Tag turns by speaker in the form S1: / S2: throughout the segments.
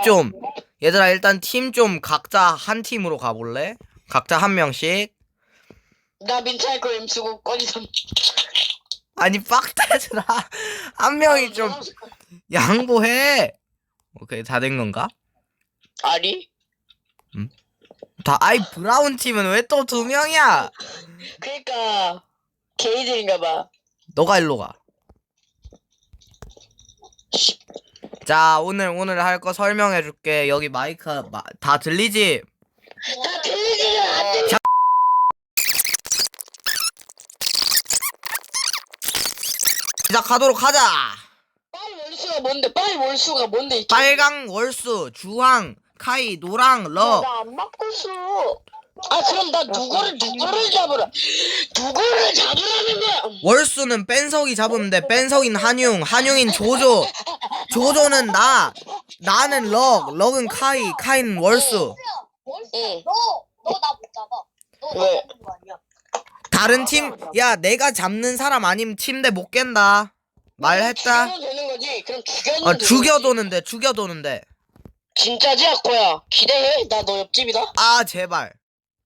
S1: 좀 얘들아 일단 팀 좀 각자 한 팀으로 가볼래? 각자 한 명씩.
S2: 나 민트할 거 임수고 꺼지선.
S1: 아니 빡대들아 한 명이 좀 양보해. 오케이 다 된 건가?
S2: 아니?
S1: 다 아이 브라운 팀은 왜 또 2명이야?
S2: 그니까 게이들인가봐.
S1: 너가 일로 가. 자 오늘 할 거 설명해 줄게. 여기 마이크 다 들리지?
S2: 다 들리지는 안 들리.
S1: 시작하도록 하자.
S2: 빨리 월수가 뭔데? 빨리 월수가 뭔데? 이
S1: 빨강 월수, 주황, 카이, 노랑, 러.
S3: 나안 바꿨어.
S2: 아 그럼 나 누구를 잡으라. 누구를 잡으라는 거야?
S1: 월수는 뺀석이 잡으면 돼. 뺀석인 한용인 조조, 조조는 나는 럭은 카이, 카이는 월수.
S2: 응.
S3: 너 나 못 잡아. 너 나
S2: 왜?
S3: 잡는 거 아니야?
S1: 다른 팀, 야 내가 잡는 사람 아니면 팀 내 못 깬다. 말했다.
S2: 죽여도 되는 거지. 그럼 죽여도 되는 거지.
S1: 죽여도는데.
S2: 진짜지 아코야. 기대해. 나 너 옆집이다.
S1: 아 제발.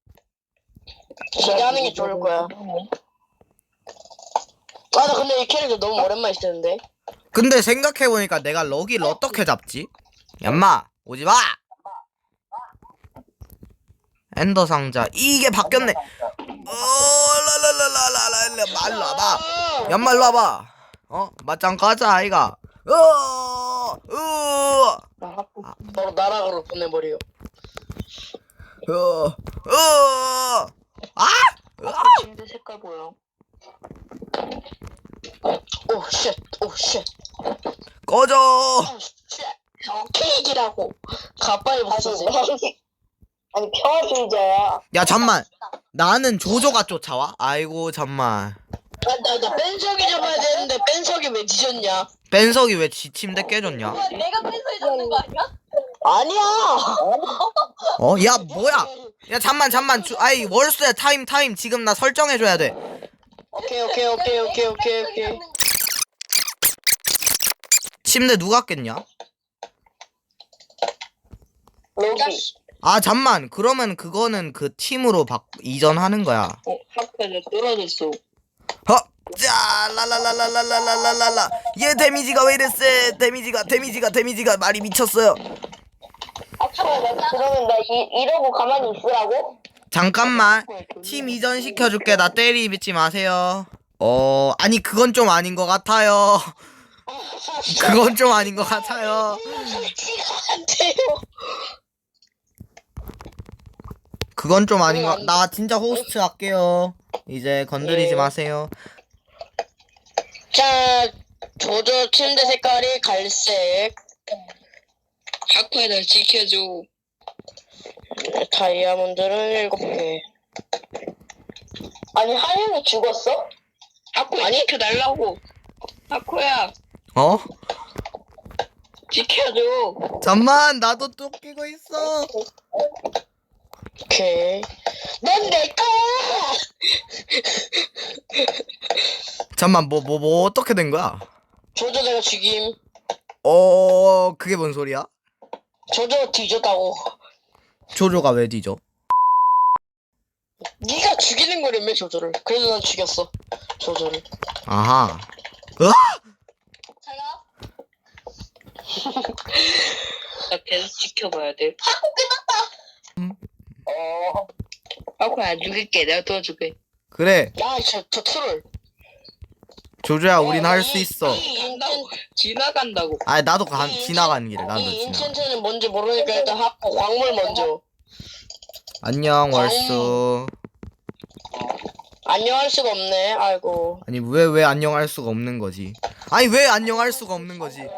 S2: 기대하는 게 좋을 거야. 아 나 근데 이 캐릭터 너무 오랜만에 쓰는데.
S1: 근데 생각해보니까 내가 럭이를 어떻게 잡지? 얌마 오지마. 엔더 상자 이게 바뀌었네. 라라라라라라 말로 와봐. 얌마 일로 와봐. 맞짱 가자 아이가.
S2: 바로 나락으로 보내버려.
S3: 침대 색깔 보여.
S2: 오 쉣.
S1: 꺼져.
S2: 케이크라고. 가빠이 벗어지.
S3: 아니 평화주의자야.
S1: 야 잠만. 나는 조조가 쫓아와? 아이고 잠만.
S2: 나 뺀석이 잡아야 되는데 뺀석이 왜 뒤졌냐?
S1: 뺀석이 왜 지 침대 깨졌냐?
S3: 내가 펜서에 잡는 거 아니야?
S2: 아니야.
S1: 야 뭐야? 야 잠만 아이 월수야 타임 지금 나 설정해줘야 돼.
S2: 오케이.
S1: 침대 누가 깼냐?
S2: 로기.
S1: 아 잠만 그러면 그거는 그 팀으로 이전하는 거야.
S2: 하프는 떨어졌어.
S1: 자 라라라라라라라라라 얘 데미지가 왜 이래 세. 데미지가 말이 미쳤어요.
S3: 그러면 나 이러고 가만히 있으라고?
S1: 잠깐만 팀 이전 시켜줄게. 나 때리지 마세요. 아니 그건 좀 아닌 것 같아요. 그건 좀 아닌 것 같아요.
S2: 안 돼요.
S1: 그건 좀 아닌 것. 나 진짜 호스트 할게요. 이제 건드리지
S2: 예.
S1: 마세요.
S2: 자, 조조 침대 색깔이 갈색. 하쿠야 날 지켜줘. 다이아몬드는 7개.
S3: 아니 하영이 죽었어?
S2: 하쿠야 지켜달라고. 하쿠야
S1: 어?
S2: 지켜줘.
S1: 잠만 나도 쫓기고 있어.
S2: 오케이. 넌 내 거야.
S1: 잠만 뭐 어떻게 된 거야?
S2: 조조 내가 죽임.
S1: 그게 뭔 소리야?
S2: 조조 뒤졌다고.
S1: 조조가 왜 뒤져?
S2: 네가 죽이는 거라며 조조를. 그래서 난 죽였어. 조조를.
S1: 아하.
S3: 자가.
S2: 나 계속 지켜봐야 돼. 하쿠야 안 죽일게. 내가 도와줄게.
S1: 그래
S2: 야, 저 트롤.
S1: 조조야 우린 할 수 있어.
S2: 지나간다고.
S1: 아니 나도 지나가는 길에 나도
S2: 이
S1: 지나가.
S2: 인챈트는 뭔지 모르니까 일단 하고 광물 먼저.
S1: 안녕 월수.
S2: 안녕할 수가 없네. 아이고.
S1: 아니 왜 안녕할 수가 없는 거지? 아니 왜 안녕할 수가 없는 거지?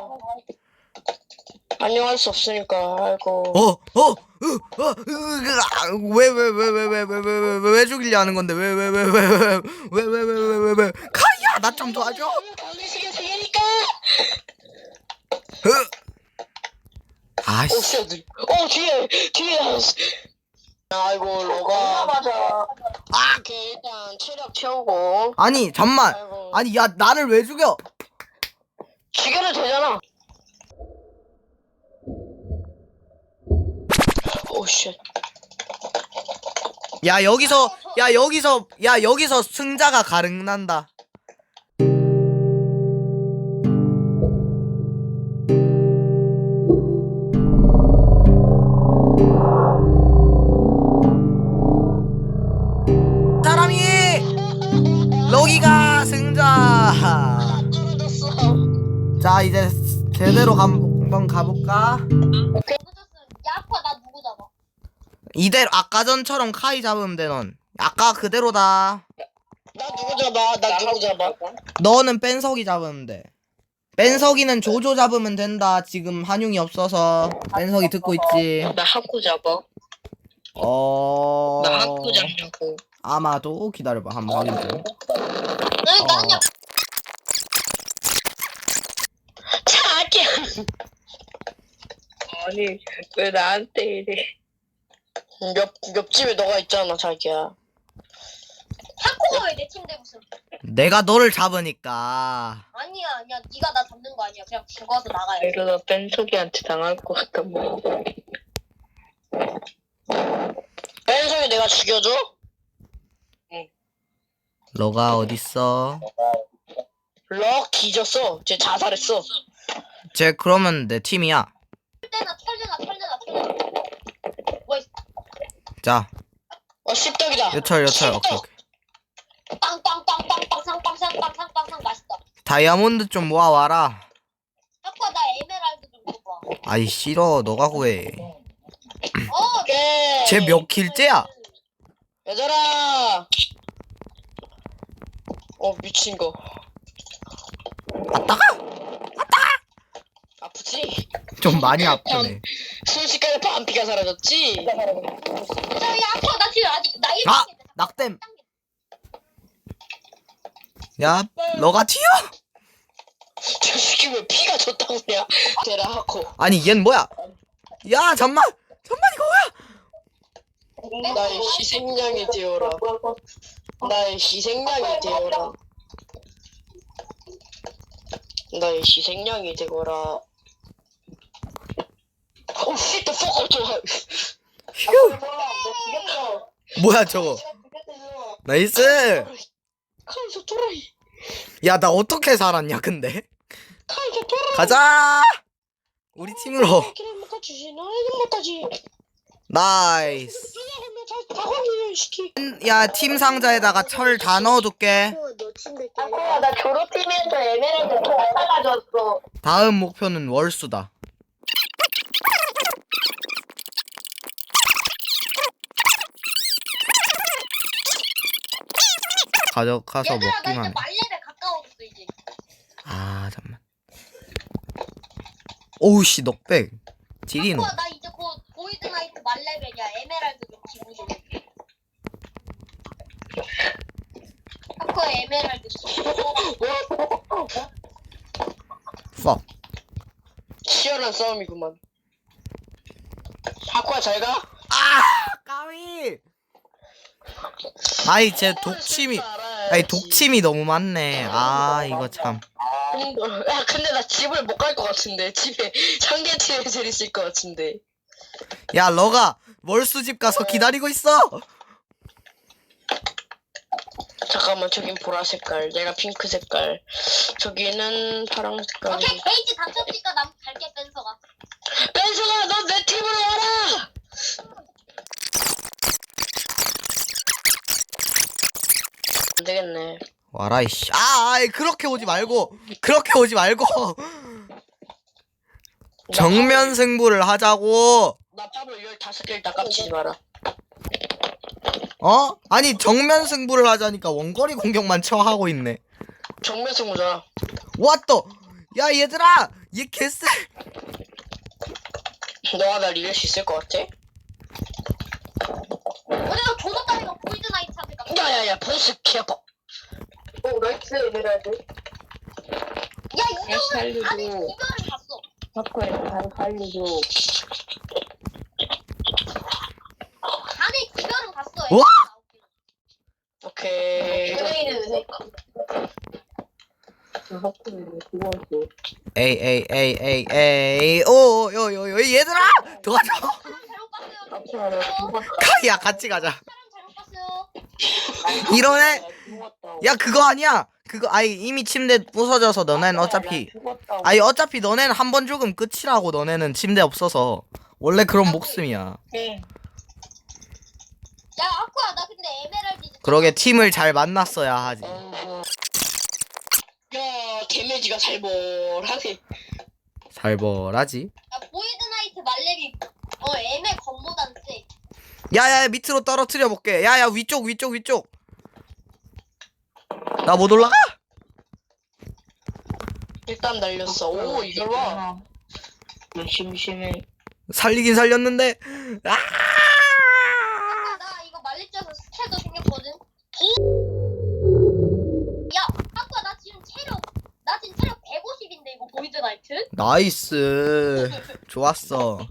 S2: 안녕할 수 없으니까. 아이고.
S1: 왜 죽이려 하는 건데? 왜 카이야 나 좀 도와줘.
S2: 당신이 생기니까.
S1: 아씨.
S2: 쉣. 뒤에. 아이고 로가.
S3: 맞아.
S2: 오케이 일단 체력 채우고.
S1: 아니 잠만.
S2: 아이고.
S1: 아니 야 나를 왜 죽여?
S2: 죽여도 되잖아. 쉣.
S1: 여기서 승자가 가릉난다. 사람이 럭이가 승자.
S2: 떨어졌어.
S1: 자 이제 제대로 한번 가볼까?
S3: 누구 줬어? 야 아빠 나 누구 잡아?
S1: 이대로 아까 전처럼 카이 잡으면 돼. 넌 아까 그대로다.
S2: 나 누구 잡아? 나 누구 잡아?
S1: 너는 뺀석이 잡으면 돼. 뺀석이는 조조 잡으면 된다. 지금 한용이 없어서. 뺀석이 듣고 있지.
S2: 나 하쿠 잡아. 나 하쿠 잡냐고.
S1: 아마도 기다려봐 한번 확인 좀.
S3: 아니 나냐?
S2: 자기야. 아니 왜 나한테 이래? 옆집에 너가 있잖아 자기야.
S3: 하코가 왜 내 침대 무슨?
S1: 내가 너를 잡으니까.
S3: 아니야 네가 나 잡는 거 아니야. 그냥 죽어서 나가야 돼.
S2: 이러다 뺀석이한테 당할 것 같다 뭐. 뺀석이 내가 죽여줘?
S1: 너가 어딨어?
S2: 럭 뒤졌어. 쟤 자살했어.
S1: 쟤 그러면 내 팀이야.
S3: 털려나. 뭐 있어?
S1: 자
S2: 씹덕이다.
S1: 요철 오케이.
S3: 빵빵빵빵빵빵빵빵빵빵빵 맛있다.
S1: 다이아몬드 좀 모아와라.
S3: 아빠 나 에메랄드 좀 줘봐.
S1: 아이 싫어 너가 구해.
S2: 오케이.
S1: 쟤 몇 킬째야?
S2: 얘들아. 미친 거.
S1: 아따가?
S2: 아프지?
S1: 좀 많이 아프네.
S2: 순식간에 반피가 사라졌지?
S3: 야 아빠 나 지금 아직 나
S1: 아! 낙댐. 야 너가 튀어?
S2: 저 새끼 왜 피가 졌다고 그냥 대라 하고.
S1: 아니 얜 뭐야? 야 잠만 이거 뭐야?
S2: 나의 희생양이 되어라. 나의 희생양이 되어라. 나의 희생양이 되거라. 오 shit the fuck up.
S1: 뭐야 저거? 나이스.
S2: 카이저 토라이.
S1: 야 나 어떻게 살았냐 근데?
S2: 카이저 토라이.
S1: 가자. 우리 팀으로.
S2: 기름 못하지. 나는 못하지.
S1: 나이스.
S2: 다광이야 시키.
S1: 야 팀 상자에다가 철 다 넣어둘게.
S3: 아빠야 나 졸업팀에서 에메랄드 다 가져왔어.
S1: 다음 목표는 월수다. 가져가서
S3: 얘들아 나
S1: 먹기만
S3: 이제
S1: 해.
S3: 말렙에 가까워졌어 이제.
S1: 아 잠만. 오우씨 넉백. 지리노.
S3: 아빠 나 이제 곧 보이드나이트 말레벨이야. 에메랄드 좀 기부 좀. 아빠 에메랄드
S1: 퍽.
S2: 치열한 싸움이구만. 하쿠야 잘 가.
S1: 아 까위. 아이 제 독침이. 아니 독침이 너무 많네. 아 이거 참.
S2: 야 근데 나 집을 못 갈 것 같은데. 집에 상계치에 제일 있을 것 같은데.
S1: 야 너가 월수집 가서 기다리고 있어.
S2: 잠깐만 저긴 보라 색깔, 내가 핑크 색깔, 저기는 파랑 색깔.
S3: 오케이 게이지 닥쳤으니까 난 갈게 뺀서가.
S2: 뺀서가 너 내 팀으로 와라. 안 되겠네.
S1: 와라 이씨. 아이 그렇게 오지 말고. 정면 승부를 하자고.
S2: 나 팝을 15개를 다 깝치지 마라.
S1: 어? 아니 정면 승부를 하자니까 원거리 공격만 처하고 있네.
S2: 정면 승부잖아.
S1: 왔다. 야 얘들아 얘 개쎄.
S2: 너가 날 이길 수 있을 것 같아?
S3: 우리가 조도 따위가 보이드나이트 하니까.
S2: 야야야 보스 개아파. 나이스 에메랄드.
S3: 야 이거는
S2: 살려줘.
S3: 안에 이별을 갔어.
S2: 바꿔야 바로 살려줘.
S3: 안에 이별은 갔어.
S1: 와!
S2: 오케이.
S1: 에이 오 요요요 얘들아 도와줘.
S3: 새로 깠어요.
S1: 카이야 같이 가자.
S3: 사람 잘못 봤어요.
S1: 이러네. 야 그거 아니야. 그거 아니 이미 침대 부서져서 너네는 어차피 아니 어차피 너네는 한 번 죽으면 끝이라고. 너네는 침대 없어서 원래 그런 목숨이야.
S3: 야 아쿠야 나 근데 에메랄드 이제
S1: 그러게 팀을 잘 만났어야 하지.
S2: 야 데미지가 살벌하네.
S1: 살벌하지.
S3: 야 보이드 나이트 말렙이 에메 건보단 세.
S1: 야야 밑으로 떨어뜨려 볼게. 야야 위쪽. 나 못 올라가?
S2: 일단 날렸어. 오 이걸 봐. 심심해.
S1: 살리긴 살렸는데. 아!
S3: 아까 나 이거 말렙져서 스킬도 생겼거든. 야 아쿠야 나 지금 체력 150인데 이거 보이드 나이트?
S1: 나이스. 좋았어.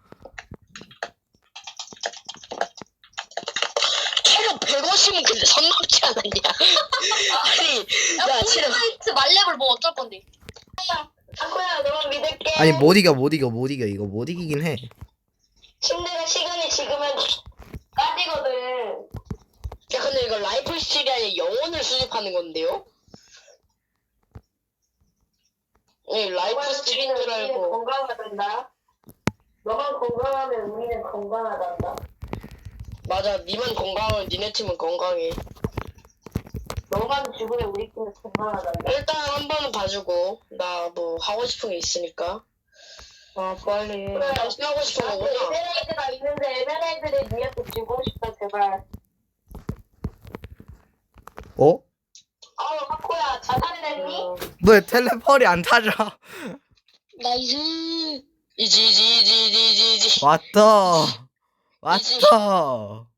S2: 체력 150은 근데 선 넘지 않았냐? 아니
S3: 야
S2: 야
S3: 보이드
S2: 체력
S3: 나이트 말렙을 뭐 어쩔 건데?
S2: 아쿠야 너만 믿을게.
S1: 아니 못 이겨 이거 못 이기긴 해.
S2: 침대가 시간이 지금은 까지거든. 야 근데 이거 라이플 스틸이 아니라 영혼을 수집하는 건데요? 네 라이플 스틸인 줄 알고.
S4: 건강하단다. 너만 건강하면 우리는 건강하단다.
S2: 맞아 니만 건강하면 니네 팀은 건강해.
S4: 너만 죽으면 우리 팀은 건강하단다.
S2: 일단 한 번은 봐주고 나 뭐 하고 싶은 게 있으니까. 아 빨리. 당신 하고 싶은
S4: 나도
S2: 거구나.
S4: 에메랄드가 있는데 에메랄드를 니한테 주고 싶다 제발.
S1: 어?
S4: 하코야 자살이 됐니?
S1: 왜 텔레폴이 안 타져?
S2: 나이스. 이지.
S1: 왔다.